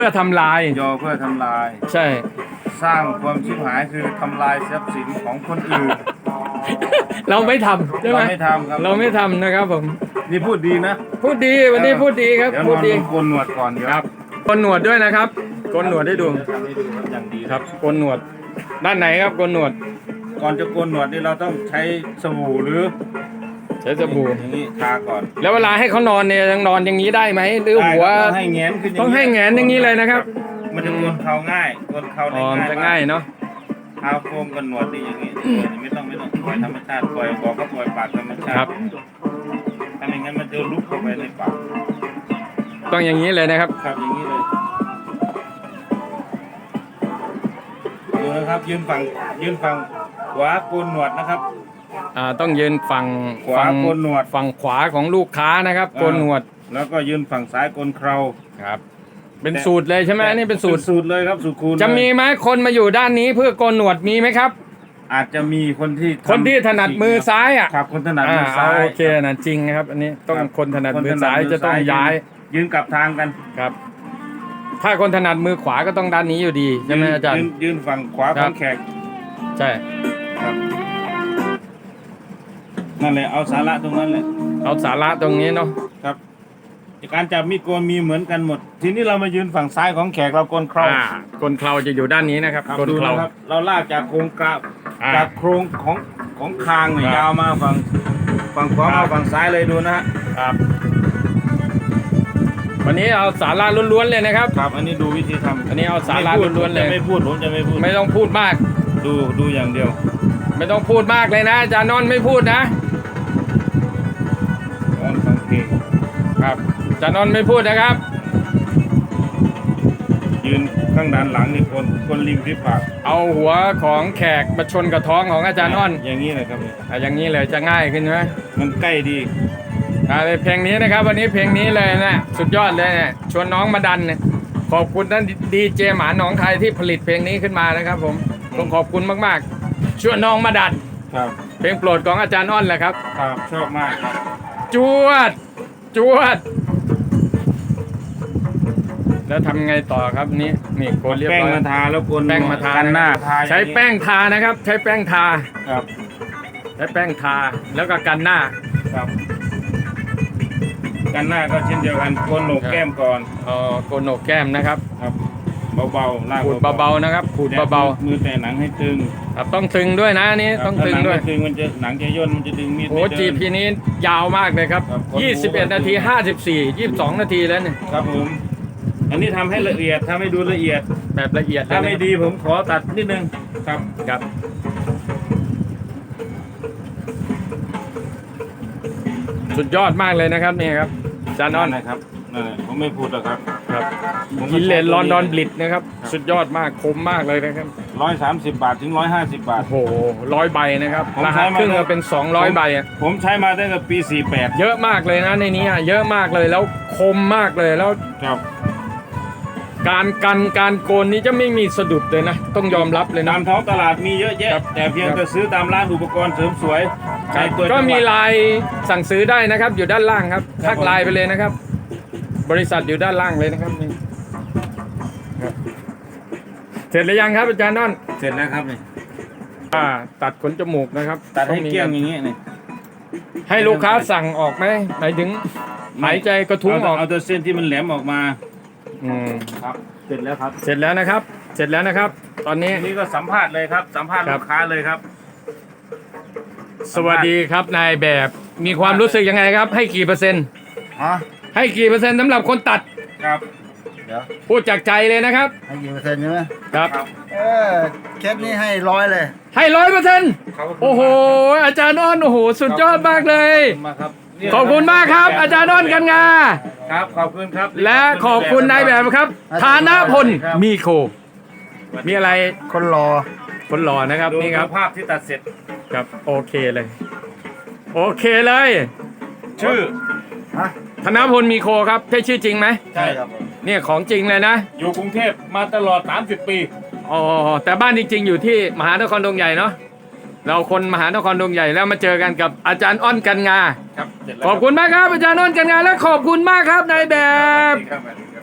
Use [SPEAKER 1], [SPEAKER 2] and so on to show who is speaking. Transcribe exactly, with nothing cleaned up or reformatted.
[SPEAKER 1] พื่อทำลาย
[SPEAKER 2] ยอเพื่อทำลาย
[SPEAKER 1] ใช่
[SPEAKER 2] สร้างความชิบหายคือทำลายทรัพย์สินของคนอื่น
[SPEAKER 1] เราไม่ทำใช่ไหม
[SPEAKER 2] เราไม่ทำครับ
[SPEAKER 1] เราไม่ทำนะครับผม
[SPEAKER 2] นี่พูดดีนะ
[SPEAKER 1] พูดดีวันนี้พูดดีครับพูดดี
[SPEAKER 2] โกนหนวดก่อน
[SPEAKER 1] ครับโกนหนวดด้วยนะครับโกนหนวดให้ดู
[SPEAKER 2] อย่างดี
[SPEAKER 1] ครับโกนหนวดด้านไหนครับโกนหนวด
[SPEAKER 2] ก่อนจะโกนหนวดนี่เราต้องใช้สบู่หรือ
[SPEAKER 1] ใช้สบู่
[SPEAKER 2] อย่างนี้ทาก่อน
[SPEAKER 1] แล้วเวลาให้เขานอนเนี่ยยังนอนอย่างนี้ได้ไหมหรือหัว
[SPEAKER 2] ต้องให้แงนขึ้น
[SPEAKER 1] ต้องให้แงนอย่างนี้เลยนะครับ
[SPEAKER 2] มันจะโกนเข่าง่ายโกนเข่าได้ง่าย
[SPEAKER 1] จะง่ายเนาะ
[SPEAKER 2] เท้าโค้งกันหนวดนี่อย่างนี้ไม่ต้องไม่ต้องปล่อยธรรมชาติปล่อยบอกก็ปล่อยปากธรรมชาติ
[SPEAKER 1] ครับ
[SPEAKER 2] ถ้าไม่งั้นมันจะลุกเข้าไปในปาก
[SPEAKER 1] ต้องอย่างนี้เลยนะครับ
[SPEAKER 2] ครับอย่างนี้เลยดูนะครับยืนฝั่งยืนฝั่งขวาโกนหนวดนะครับ
[SPEAKER 1] อ่าต้องยืนฝั่ง
[SPEAKER 2] ขวาโกนหนวด
[SPEAKER 1] ฝั่งขวาของลูกค้านะครับโกนหนวด
[SPEAKER 2] แล้วก็ยืนฝั่งซ้ายโกนเครา
[SPEAKER 1] ครับเป็นสูตรเลยใช่ไหมนี่เป็นสูตร
[SPEAKER 2] สูตรเลยครับสูตรคูณ
[SPEAKER 1] จะมีไหมคนมาอยู่ด้านนี้เพื่อโกนหนวดมีไหมครับ
[SPEAKER 2] อาจจะมีคนที่
[SPEAKER 1] คนที่ถนัดมือซ้ายอ่ะ
[SPEAKER 2] ครับคนถนัดมือซ้าย
[SPEAKER 1] โอเคนะจริงนะครับอันนี้ต้องคนถนัดมือซ้ายจะต้องย้าย
[SPEAKER 2] ยืนกลับทางกัน
[SPEAKER 1] ครับถ้าคนถนัดมือขวาก็ต้องด้านนี้อยู่ดีใช่ไหมอาจารย์
[SPEAKER 2] ยืนฝั่งขวาของแขก
[SPEAKER 1] ใช่
[SPEAKER 2] ครับนั่นแหละเอาสาระตรงนั้นแหละ
[SPEAKER 1] เอาสาระตรงนี้เนาะ
[SPEAKER 2] ครับการจับมีดโกนมีเหมือนกันหมดทีนี้เรามายืนฝั่งซ้ายของแขกเราโกนเครา
[SPEAKER 1] โกนเคราจะอยู่ด้านนี้นะครับ
[SPEAKER 2] โกนเคราเราลากจากโครงกราบจากโครงของของคางเนี่ยยาวมาฝั่งฝั่งขวามาฝั่งซ้ายเลยดูนะฮะ
[SPEAKER 1] ครับวันนี้เอาสาระล้วนๆเลยนะครับ
[SPEAKER 2] ครับอันนี้ดูวิธีทำ
[SPEAKER 1] อันนี้เอาสาระล้วนๆเลย
[SPEAKER 2] ไม่พูดผมจะไม่พูด
[SPEAKER 1] ไม่ต้องพูดมาก
[SPEAKER 2] ดูดูอย่างเดียว
[SPEAKER 1] ไม่ต้องพูดมากเลยนะอาจารย์นนท์ไม่พูดนะ
[SPEAKER 2] นอนฟังเพลง
[SPEAKER 1] ครับอาจารย์นนท์ไม่พูดนะครับ
[SPEAKER 2] ยืนข้างด้านหลังนี่คนคนริมริบปาก
[SPEAKER 1] เอาหัวของแขกมาชนกับท้องของอาจารย์อ้อน
[SPEAKER 2] อย่างนี้เลยครับ
[SPEAKER 1] อย่างนี้เลยจะง่ายขึ้นไหม
[SPEAKER 2] มันใกล้ดี
[SPEAKER 1] เพลงนี้นะครับวันนี้เพลงนี้เลยนะสุดยอดเลยเนี่ยชวนน้องมาดันเนี่ยขอบคุณท่านดีเจหมาหนองคายที่ผลิตเพลงนี้ขึ้นมานะครับผมต้องขอบคุณมากๆชวนน้องมาดัน
[SPEAKER 2] ครับ
[SPEAKER 1] เพลงโปรดของอาจารย์อ้อนแหละครับ
[SPEAKER 2] ครับชอบมากครับ
[SPEAKER 1] จวดจวดแล้วทำไงต่อครับนี่นี่โกนเรียบร้อย
[SPEAKER 2] แป้งมาทาแล้วโกน
[SPEAKER 1] แป้งมาทาหน้าใช้แป้งทานะครับใช้แป้งทา
[SPEAKER 2] ครับ
[SPEAKER 1] ใช้แป้งทาแล้วก็กันหน้า
[SPEAKER 2] ครับกันหน้าก็เช่นเดียวกันโกนโหนกแก้มก่อน
[SPEAKER 1] อ๋อโกนโหนกแก้มนะครับ
[SPEAKER 2] ครับเบาๆลาก
[SPEAKER 1] ขูดเบาๆนะครับขูดเบา
[SPEAKER 2] ๆมือแต่หนังให้ตึง
[SPEAKER 1] ครับต้องตึงด้วยนะนี่ต้องตึงด้วย
[SPEAKER 2] ตึงมันจะหนังจะย่นมันจะดึงมีด
[SPEAKER 1] โอ้จีพีนี้ยาวมากเลยครับยี่สิบเอ็ดนาทีห้าสิบสี่ ยี่สิบสองนาทีแล้วเนี่ย
[SPEAKER 2] ครับผมอันนี้ทำให้ละเอียดทำให้ดูละเอียด
[SPEAKER 1] แบบละเอียด
[SPEAKER 2] ถ้าไม่ดีผมขอตัดนิดนึงครับ
[SPEAKER 1] ครับสุดยอดมากเลยนะครับนี่ครับจานอน
[SPEAKER 2] นะครับนั่นแหละผมไม่พูดหรอกครับ
[SPEAKER 1] ครับกินเลนลอนดอนบลิดนะครับสุดยอดมากคมมากเลยนะครับ
[SPEAKER 2] ร้อยสามสิบบาทถึงร้อยห้าสิบบาท
[SPEAKER 1] โอ้โหร้อยใบนะครับราคาครึ่งก็เป็นสองร้อยใบอ่ะ
[SPEAKER 2] ผมใช้มาตั้งแต่ปีสี่แปด
[SPEAKER 1] เยอะมากเลยนะในนี้เยอะมากเลยแล้วคมมากเลยแล้ว
[SPEAKER 2] ครับ
[SPEAKER 1] การกันการโกนนี้จะไม่มีสะดุดเลยนะต้องยอมรับเลยนะ
[SPEAKER 2] ตามท้องตลาดมีเยอะแยะแต่เพียงแต่ซื้อตามร้านอุปกรณ์เสริมสวย
[SPEAKER 1] ก็มีไลน์สั่งซื้อได้นะครับอยู่ด้านล่างครับทักไลน์ไปเลยนะครับบริษัทอยู่ด้านล่างเลยนะครับนี่เสร็จหรือยังครับอาจารย์นนท์
[SPEAKER 2] เสร็จแล้วครับนี่
[SPEAKER 1] อ่าตัดขนจมูกนะครับ
[SPEAKER 2] ตัดให้เกลี้ยงอย่างนี้นี่
[SPEAKER 1] ให้ลูกค้าสั่งออกไหมหมายถึงหายใจกระทุ้งออก
[SPEAKER 2] เอาตัวเส้นที่มันแหลมออกมา
[SPEAKER 1] อืม
[SPEAKER 2] ครับเสร็จแล้วครับ
[SPEAKER 1] เสร็จแล้วนะครับเสร็จแล้วนะครับตอนนี้
[SPEAKER 2] นี่ก็สัมภาษณ์เลยครับสัมภาษณ์ลูกค้าเลยครับ
[SPEAKER 1] สวัสดีครับนายแบบมีความรู้สึกยังไงครับให้กี่เปอร์เซ็นต์ให้กี่เปอร์เซ็นต์สำหรับคนตัด
[SPEAKER 2] ครับเดี๋ยว
[SPEAKER 1] พูดจากใจเลยนะครับ
[SPEAKER 3] ให้กี่เปอร์เซ็นต์ใช่ไหม
[SPEAKER 1] ครับ
[SPEAKER 3] เออเคสนี้ให้ร้อยเลย
[SPEAKER 1] ให้ร้อยเปอร์เซ็นต์โอ้โหอาจารย์อ้อนโอ้โหสุดยอดมากเลยขอบคุณมากครับอาจารย์อ้อนกันงา
[SPEAKER 2] ครับขอบคุณครับ
[SPEAKER 1] และขอบคุณนายแบบครับฐานะพลมีโคมีอะไร
[SPEAKER 3] คนรอ
[SPEAKER 1] คนหล่อนะครับนี่ครับ
[SPEAKER 2] ภาพที่ตัดเสร็จ
[SPEAKER 1] ครับโอเคเลยโอเคเลย
[SPEAKER 2] ชื่อ
[SPEAKER 1] ธนพลมีโคครับใช่ชื่อจริงไหม
[SPEAKER 2] ใช่ครับ
[SPEAKER 1] เนี่ยของจริงเลยนะ
[SPEAKER 2] อยู่กรุงเทพมาตลอดสามสิบปี
[SPEAKER 1] อ๋อแต่บ้านจริงๆอยู่ที่มหานครดงใหญ่เนาะเราคนมหานครดงใหญ่แล้วมาเจอกันกับอาจารย์อ้อนกันงา
[SPEAKER 2] ครับ
[SPEAKER 1] ขอบคุณมากครับอาจารย์อ้อนกันงาและขอบคุณมากครับนายแบบ